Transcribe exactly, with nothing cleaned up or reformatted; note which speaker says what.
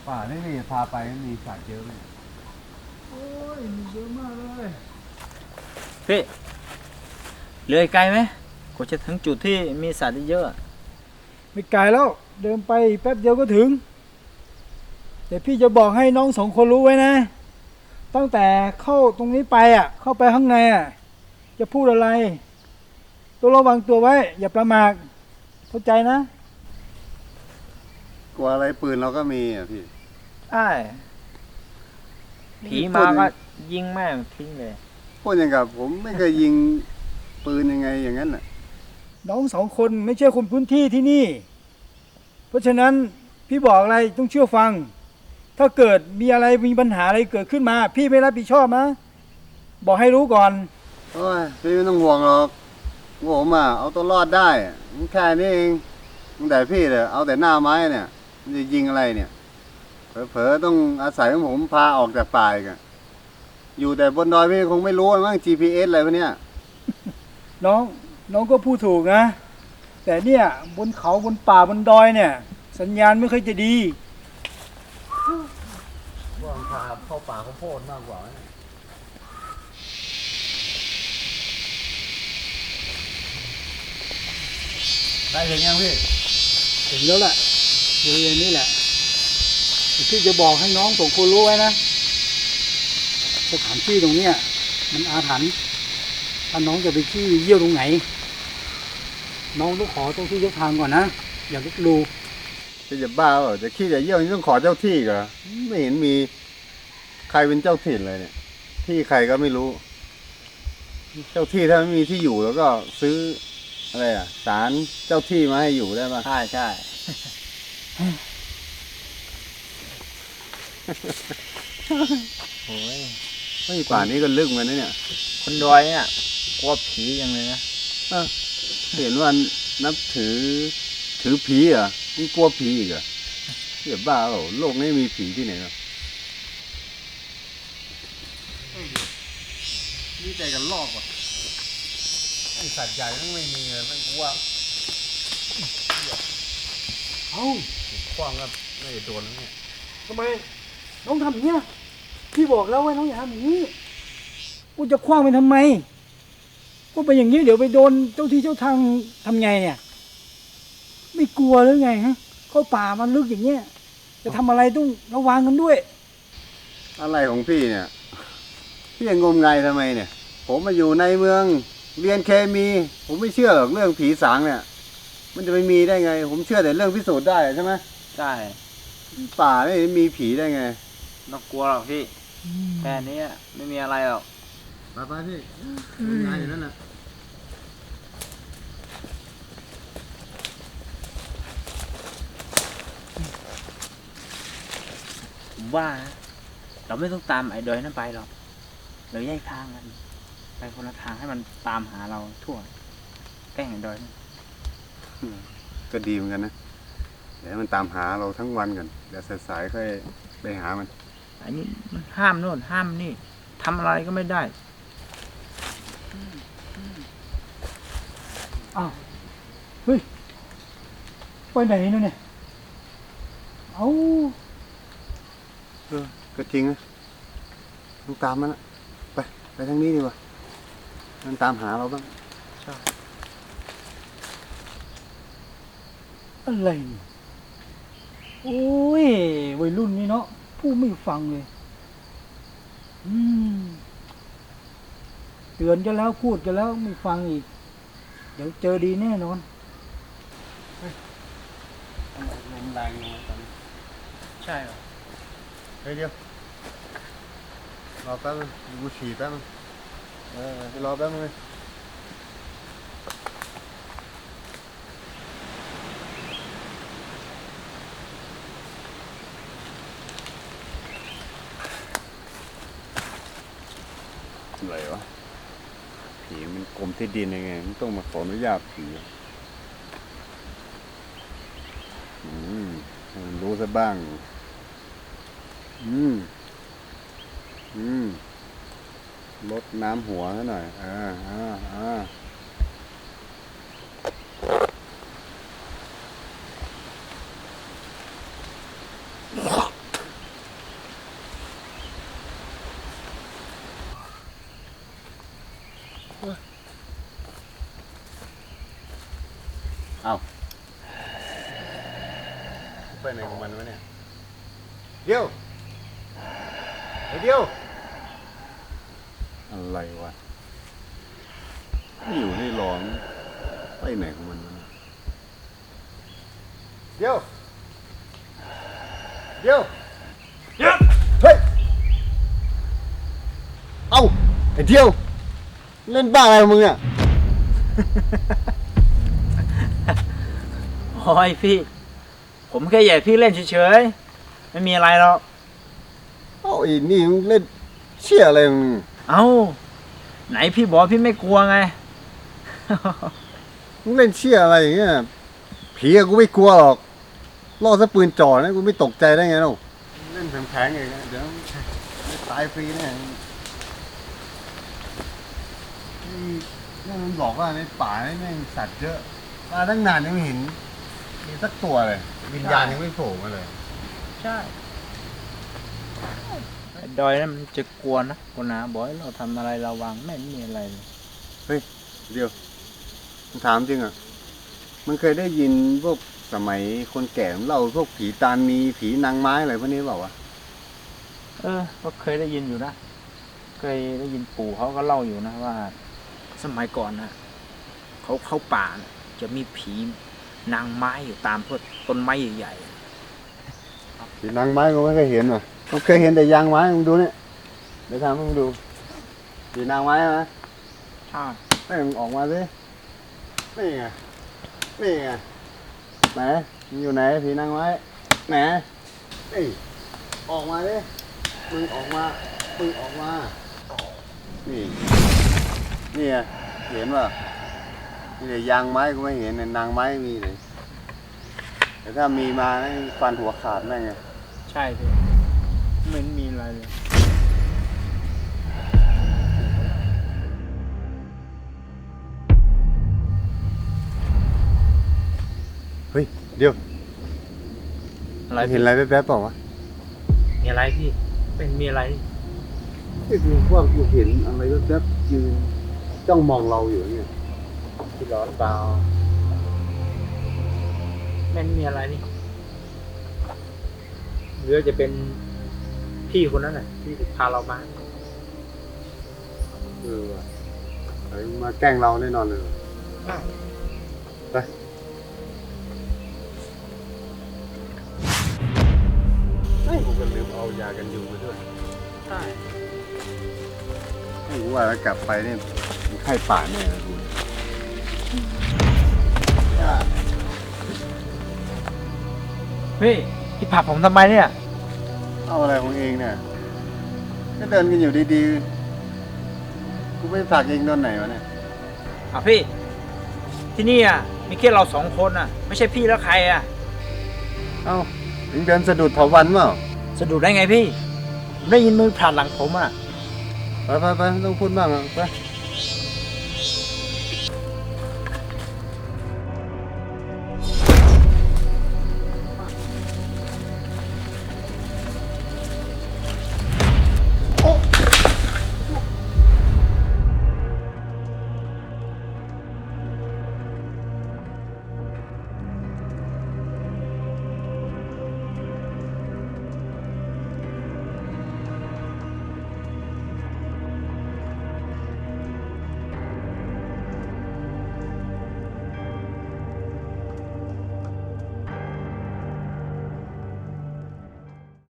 Speaker 1: ป่านี่นี่พาไปมีสัตว์เยอะไหม
Speaker 2: โอ้ยมีเยอะมากเลย
Speaker 3: พี่เหลือไกลไหมกว่าจะถึงจุดที่มีสัตว์เยอะ
Speaker 2: ไม่ไกลแล้วเดินไปแป๊บเดียวก็ถึงแต่พี่จะบอกให้น้องสองคนรู้ไว้นะตั้งแต่เข้าตรงนี้ไปอ่ะเข้าไปข้างในอ่ะจะพูดอะไรต้องระวังตัวไว้อย่าประมาทเข้าใจนะ
Speaker 1: กลัวอะไรปืนเราก็มีอ่ะพี่
Speaker 3: ใช่ผีมาก็ยิงแม่งทิ้งเลย
Speaker 1: พูดอย่างกับผมไม่เคยยิงปืนยังไงอย่างนั้นน่ะ
Speaker 2: น้องสองคนไม่ใช่คนพื้นที่ที่นี่เพราะฉะนั้นพี่บอกอะไรต้องเชื่อฟังถ้าเกิดมีอะไรมีปัญหาอะไรเกิดขึ้นมาพี่ไม่รับผิดชอบนะบอกให้รู้ก่อน
Speaker 1: โอ้ยพี่ไม่ต้องห่วงหรอกผมอ่ะเอาตัวรอดได้แค่นี้เองแต่พี่เนี่ยเอาแต่หน้าไม้เนี่ยมันจะยิงอะไรเนี่ยเผลอๆต้องอาศัยของผมพาออกจากป่าอีกอยู่แต่บนดอยพี่คงไม่รู้มั้ง จี พี เอส อะไรพวกเนี้ย
Speaker 2: น้องน้องก็พูดถูกนะแต่เนี่ยบนเขาบนป่าบนดอยเนี่ยสัญญาณไม่ค่อยจะดี
Speaker 1: ว่าพาเข้าป่าข้าวโพดมากกว่าได้ถึงยังพี่
Speaker 2: ถึงแล้วแหละบริเวณนี้แหละพี่จะบอกให้น้องสองคนรู้ไว้นะสถานที่ตรงเนี้ยมันอาถรรพ์ถ้าน้องจะไปขี้เยี่ยวตรงไหนน้องต้องขอเจ้าที่เจ้าทางก่อนนะอย่าลุกลู
Speaker 1: จะจะบ้าเหรอจะขี้จะเยี่ยวนี่ต้องขอเจ้าที่เหรอไม่เห็นมีใครเป็นเจ้าถิ่นเลยเนี่ยที่ใครก็ไม่รู้เจ้าที่ถ้าไม่มีที่อยู่แล้วก็ซื้ออะไรอ่ะศาลเจ้าที่มาให้อยู่ได้ป่ะ
Speaker 3: ใช่ใช่โอ้ย
Speaker 1: ไม่ป่านนี้ก็ลึกเหมือนกันนะเนี่ย
Speaker 3: คนดอยเนี่ยกลัวผียังเลยนะ
Speaker 1: เห็นว่านับถือถือผีเหรอ่ะนี่กลัวผีอีกเหรอเดี๋ยวบ้าเหรอโลกนี้มีผีที่ไหนหรอนี่ใจกันลอกว่ะไอสัตว์ใหญ่ต้องไม่มีเลยมันกลัว
Speaker 2: เอ้า
Speaker 1: คว้างก็ไม่ได้โดนแล้วเนี่ย
Speaker 2: ทำไมน้องทำอย่างเงี้ยพี่บอกแล้วว่าน้องอย่าทำอย่างนี้กูจะคว้างไปทำไมกูไปอย่างนี้เดี๋ยวไปโดนเจ้าที่เจ้าทางทำไงเนี่ยไม่กลัวหรือไงฮะเข้าป่ามันลึกอย่างเงี้ยจะทำอะไรต้องระวังกันด้วย
Speaker 1: อะไรของพี่เนี่ยพี่ยังงมงายทำไมเนี่ยผมมาอยู่ในเมืองเรียนเคมีผมไม่เชื่อหรอกเรื่องผีสางเนี่ยมันจะไม่มีได้ไงผมเชื่อแต่เรื่องพิสูจน์ได้ใช่ไหม
Speaker 3: ใช่
Speaker 1: ป่าไม่มีผีได้ไง
Speaker 3: ไม่ต้องกลัวหรอกพี่แค่นี้ไม่มีอะไรหรอก
Speaker 1: ไปไปพี่งานอยู่นั่นแหละ
Speaker 3: ผมว่าเราไม่ต้องตามไอ้ดอยนั้นไปหรอกเราแยกทางกันไปคนละทางให้มันตามหาเราทั่วแกล้งไอ้ดอยนั่น
Speaker 1: ก็ดีเหมือนกันนะเดี๋ยวมันตามหาเราทั้งวันก่อนเดี๋ยวสายๆค่อยไปหามัน
Speaker 3: อันนี้มันห้ามโน่นห้ามนี่ทำอะไรก็ไม่ได้
Speaker 2: อ้าวเฮ้ยไปไหนนู่นเนี่ยเอ้า
Speaker 1: เออก็จริงนะต้องตามมันนะไปไปทางนี้ดีกว่ามันตามหาเราบ้าง
Speaker 3: ใช่
Speaker 2: อะไรเนี่ยโอ้ยวัยรุ่นนี่เนาะพูดไม่ฟังเลยอืมเตือนกันแล้วพูดกันแล้วไม่ฟังอีกเดี๋ยวเจอดีแน่นอน
Speaker 1: ลมแรงลงตอนนี้
Speaker 3: ใช่เหรอ
Speaker 1: เฮ้ยเดี๋ยวรอแป๊บนึงกูฉี่แป๊บนึงเออรอแป๊บนึงเลยอะไรวะผีมันกลมที่ดินยังไงมันต้องมาขออนุญาตผีอืมมันรู้ซะบ้างอืมอืมลดน้ำหัวซะหน่อยอ่าอ่าอ่าเอาไปไหนของมันวะเนี่ยเดี๋ยวไอ้เดี๋ยวอะไรวะไม่อยู่ให้ร้องไปไหนของมันวะเนี่ยเดี๋ยวเดี๋ยวเดี๋ยวเฮ้ยเอ้าไอ้เดี๋ยวเล่นบ้าอะไรของมึงอ่ะ
Speaker 3: โอ้ยพี่ ผมแค่อยากพี่เล่นเฉยๆ ไม่มีอะไรหรอก
Speaker 1: เอ้าไอ้นี่มึงเล่นเชี่ยอะไรมึง
Speaker 3: เอ้า ไหนพี่บอกพี่ไม่กลัวไง
Speaker 1: มึงเล่นเชี่ยอะไรอย่างเงี้ยผีอะกูไม่กลัวหรอกล่อซะปืนจ่อนะกูไม่ตกใจได้ไงเนาะเล่นแผงๆเองนะเดี๋ยวตายฟรีแน่นี่นี่มันบอกว่าในป่านี่แม่งสัตว์เยอะมาตั้งนานยังไม่เห็นมีสักตัวเลย วิญญาณยังไม่โผล่มาเลย
Speaker 3: ใช่ไอ้ดอยนั่นมันจะกลัวนะคนนะบอกให้เราทำอะไรระวังไม่มีอะไรเลย
Speaker 1: เดี๋ยวมึงถามจริงอ่ะมึงเคยได้ยินพวกสมัยคนแก่เล่าพวกผีตานีผีนางไม้อะไรพวกนี้เปล่าวะ
Speaker 3: เออ ก็เคยได้ยินอยู่นะ เคยได้ยินปู่เขาก็เล่าอยู่นะว่า สมัยก่อนนะเขาเข้าป่านะจะมีผีนางไม้อยู่ตามพวกต้นไม้ใหญ่
Speaker 1: ผีนางไม้กูไม่เคยเห็นว่ะกูเคยเห็นแต่ยางไม้มึงดูเนี่ยเดี๋ยวทำให้มึงดูผีนางไม้ไหม
Speaker 3: ๆใช่
Speaker 1: ไม่มึงออกมาสินี่ไงนี่ไงไหนมึงอยู่ไหนผีนางไม้ไหนนี่ออกมาดิมึงออกมามึงออกมานี่นี่ไงเห็นป่ะนี่แต่ยางไม้กูไม่เห็นแต่นางไม้มีเลยแต่ถ้ามีมาให้ฟันหัวขาดแม่งไง
Speaker 3: ใช่พี่ไม่เห็นมีอะไรเลย
Speaker 1: เฮ้ยเดี๋ยว
Speaker 3: อะไร
Speaker 1: เห็นอะไรแป๊บๆเปล่าวะ
Speaker 3: มีอะไรพี่ เป็นมีอะไร
Speaker 1: ไอ้กูว่ากูเห็นอะไรแป๊บๆยืนจ้องมองเราอยู่เนี่ย
Speaker 3: พี่ร้อนเปล่าไม่มีอะไรนี่หรือจะเป็นพี่คนนั้นน่ะที่พาเรามา
Speaker 1: เออว่ะเฮ้ยมาแกล้งเราแน่นอนเลยไปไอ้กูก็ลืมเอายากันยุงมาด้วย
Speaker 3: ใช่
Speaker 1: ไอ้กูว่าแล้วกลับไปเนี่ยมีไข้ป่าแน่เลยกู
Speaker 3: พี่พี่ผลักผมทำไมเนี่ย
Speaker 1: เอาอะไรของเองเนี่ยก็เดินกันอยู่ดีๆกูไปผลักเองตอนไหนวะเนี่ย
Speaker 3: อ่ะพี่ ที่นี่อ่ะมีแค่เราสองคนอ่ะ ไม่ใช่พี่แล้วใครอ่ะ
Speaker 1: เอ้าเองเดินสะดุดเถาวันเปล่า
Speaker 3: สะดุดได้ไงพี่ผมได้ยินมือผ่านหลังผมอ่ะ
Speaker 1: ไปไปไปไม่ต้องพูดมากหรอกไป